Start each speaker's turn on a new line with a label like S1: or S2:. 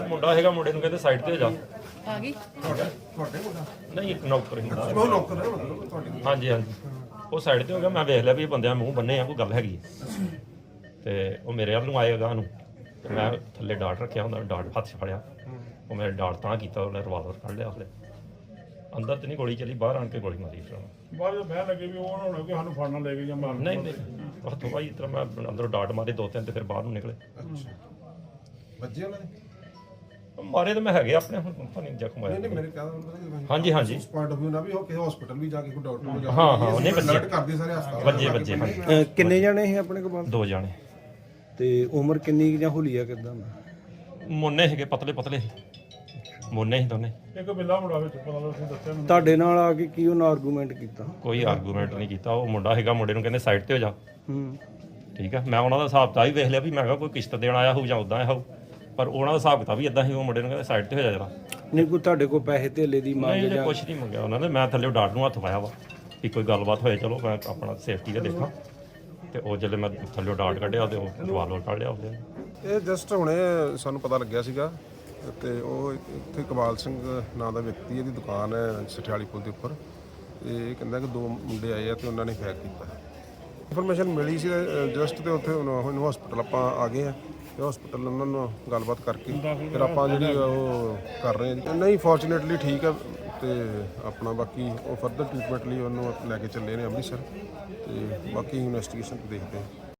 S1: ਮੁੰਡਾ ਹੈਗਾ, ਮੁੰਡੇ ਨੂੰ ਕਹਿੰਦੇ ਸਾਈਡ ਤੇ ਹੋ ਜਾ।
S2: ਆ ਗਈ
S1: ਨਹੀਂ ਇੱਕ ਨੌਕਰ ਹੀ ਹੁੰਦਾ।
S3: ਉਹ ਨੌਕਰ ਹੈ ਮਤਲਬ ਤੁਹਾਡੀ।
S1: ਹਾਂਜੀ ਹਾਂਜੀ, ਉਹ ਸਾਈਡ ਤੇ ਹੋ ਗਿਆ। ਮੈਂ ਵੇਖ ਲਿਆ ਵੀ ਇਹ ਬੰਦਿਆਂ ਮੂੰਹ ਬੰਨੇ ਆ, ਕੋਈ ਗੱਲ ਹੈਗੀ ਹੈ। ਤੇ ਉਹ ਮੇਰੇ ਵੱਲ ਨੂੰ ਆਏਗਾ ਨੂੰ, ਤੇ ਮੈਂ ਥੱਲੇ ਡਾਟ ਰੱਖਿਆ ਹੁੰਦਾ, ਡਾਟ ਹੱਥ 'ਚ ਫੜਿਆ। ਉਹ ਮੇਰੇ ਡਾਟ ਤਾਂ ਕੀਤਾ, ਉਹਨੇ ਰਿਵਾਲਵਰ ਕੱਢ ਲਿਆ। ਉਹਨੇ ਅੰਦਰ ਤੇ ਨਹੀਂ ਗੋਲੀ ਚੱਲੀ, ਬਾਹਰ ਆਣ ਕੇ ਗੋਲੀ ਮਾਰੀ। ਫਿਰ
S4: ਬਾਅਦ ਵਿੱਚ ਬਹਿ ਲੱਗੇ ਵੀ ਉਹ ਨਾ ਹੋਣਾ ਕਿ ਸਾਨੂੰ ਫੜਨਾ ਲੈ ਕੇ ਜਾਂ ਮਾਰਨ।
S1: ਨਹੀਂ ਨਹੀਂ, ਹੱਥੋਂ ਭਾਈ ਇਸ ਤਰ੍ਹਾਂ ਮੈਂ ਅੰਦਰੋਂ ਡਾਟ ਮਾਰੇ 2-3 ਤੇ ਫਿਰ ਬਾਹਰ ਨੂੰ ਨਿਕਲੇ।
S3: ਵੱਜੇ ਉਹਨਾਂ ਨੇ?
S1: ਮਾਰੇ ਤਾਂ ਮੈਂ ਹੈਗੇ ਆਪਣੇ, ਹੁਣ ਪਤਾ ਨਹੀਂ ਜ਼ਖਮ ਆਇਆ।
S3: ਨਹੀਂ ਮੇਰੇ ਕਹਿੰਦਾ
S1: ਹਾਂਜੀ ਹਾਂਜੀ,
S3: ਉਸ ਪੁਆਇੰਟ ਆਫ ਵਿਊ ਨਾਲ ਵੀ ਉਹ ਕਿਸੇ ਹਸਪੀਟਲ ਵੀ ਜਾ ਕੇ ਕੋਈ ਡਾਕਟਰ ਨੂੰ ਜਾ
S1: ਹਾਂ ਹਾਂ, ਉਹਨੇ
S3: ਅਲਰਟ
S1: ਵੱਜੇ
S3: ਕਰਦੇ ਸਾਰੇ ਹਸਪਤਾਲ
S1: ਵੱਜੇ ਹਾਂਜੀ।
S5: ਕਿੰਨੇ ਜਾਣੇ ਸੀ ਆਪਣੇ ਕੋਲ?
S1: 2 ਜਾਣੇ।
S5: ਤੇ ਉਮਰ ਕਿੰਨੀ ਜਾਂ ਹੁਲੀਆ ਕਿਦਾਂ?
S1: ਮੋਨੇ ਹੈਗੇ, ਪਤਲੇ ਪਤਲੇ ਮੋਨੇ ਹੀ ਦੋਨੇ।
S4: ਇੱਕ ਬਿੱਲਾ ਮੁੰਡਾ ਵਿੱਚ ਪਤਾ ਲੱਗ ਤੁਸੀਂ ਦੱਸਿਆ ਮੈਨੂੰ।
S5: ਤੁਹਾਡੇ ਨਾਲ ਆ ਕੇ ਕੀ ਉਹਨਾਂ ਆਰਗੂਮੈਂਟ ਕੀਤਾ?
S1: ਕੋਈ ਆਰਗੂਮੈਂਟ ਨਹੀਂ ਕੀਤਾ। ਉਹ ਮੁੰਡਾ ਹੈਗਾ, ਮੁੰਡੇ ਨੂੰ ਕਹਿੰਦੇ ਸਾਈਡ ਤੇ ਹੋ ਜਾ।
S5: ਹੂੰ,
S1: ਠੀਕ ਆ, ਮੈਂ ਉਹਨਾਂ ਦਾ ਹਿਸਾਬ ਤਾਂ ਹੀ ਵੇਖ ਲਿਆ ਵੀ ਮੈਂ ਕਿਹਾ ਕੋਈ ਕਿਸ਼ਤ ਦੇਣ ਆਇਆ ਹੋਊ ਜਾਂ ਉਦਾਂ ਆਇਆ ਹੋਊ, ਪਰ ਉਹਨਾਂ ਦਾ ਹਿਸਾਬ ਕਿਤਾਬ ਵੀ ਇਦਾਂ ਹੀ। ਉਹ ਮੁੰਡੇ ਨੂੰ ਕਹਿੰਦੇ ਸਾਈਡ ਤੇ ਹੋ ਜਾ ਜਰਾ।
S5: ਨਹੀਂ ਕੋਈ ਤੁਹਾਡੇ ਕੋਲ ਪੈਸੇ ਧੇਲੇ ਦੀ ਮੰਗ
S1: ਨਹੀਂ
S5: ਜਾਂ?
S1: ਕੁਛ ਨਹੀਂ ਮੰਗਿਆ ਉਹਨਾਂ ਨੇ। ਮੈਂ ਥੱਲੇ ਡਾਟ ਨੂੰ ਹੱਥ ਪਾਇਆ ਵਾ ਕਿ ਕੋਈ ਗੱਲਬਾਤ ਹੋਏ, ਚਲੋ ਮੈਂ ਆਪਣਾ ਸੇਫਟੀ ਦਾ ਦੇਖਾਂ। ਤੇ ਉਹ ਜਦੋਂ ਮੈਂ ਥੱਲੇ ਡਾਟ ਕੱਢਿਆ ਤੇ ਉਹ ਰਿਵਾਲਵਰ ਕੱਢ ਲਿਆ ਉਹਦੇ।
S6: ਇਹ ਜਸਟ ਹੁਣੇ ਸਾਨੂੰ ਪਤਾ ਲੱਗਿਆ ਸੀਗਾ ਤੇ ਉਹ ਇੱਥੇ ਕਮਾਲ ਸਿੰਘ ਨਾਂ ਦਾ ਵਿਅਕਤੀ, ਇਹਦੀ ਦੁਕਾਨ ਹੈ ਸਠਿਆਲੀ ਪੁਲ ਦੇ ਉੱਪਰ। ਇਹ ਕਹਿੰਦਾ ਕਿ 2 ਮੁੰਡੇ ਆਏ ਆ ਤੇ ਉਹਨਾਂ ਨੇ ਫਾਇਰ ਕੀਤਾ। ਇਨਫੋਰਮੇਸ਼ਨ ਮਿਲੀ ਸੀ ਜਸਟ, ਤੇ ਉੱਥੇ ਹੁਣ ਹਸਪੀਟਲ ਆਪਾਂ ਆ ਗਏ ਆ ਤੇ ਹਸਪੀਟਲ ਉਹਨਾਂ ਨੂੰ ਗੱਲਬਾਤ ਕਰਕੇ ਫਿਰ ਆਪਾਂ ਜਿਹੜੀ ਉਹ ਕਰ ਰਹੇ ਹਾਂ ਜੀ। ਨਹੀਂ ਫੋਰਚੂਨੇਟਲੀ ਠੀਕ ਹੈ ਤੇ ਆਪਣਾ ਬਾਕੀ ਉਹ ਫਰਦਰ ਟ੍ਰੀਟਮੈਂਟ ਲਈ ਉਹਨੂੰ ਲੈ ਕੇ ਚੱਲੇ ਨੇ ਅੰਮ੍ਰਿਤਸਰ, ਤੇ ਬਾਕੀ ਇਨਵੈਸਟੀਗੇਸ਼ਨ ਦੇਖਦੇ ਹਾਂ।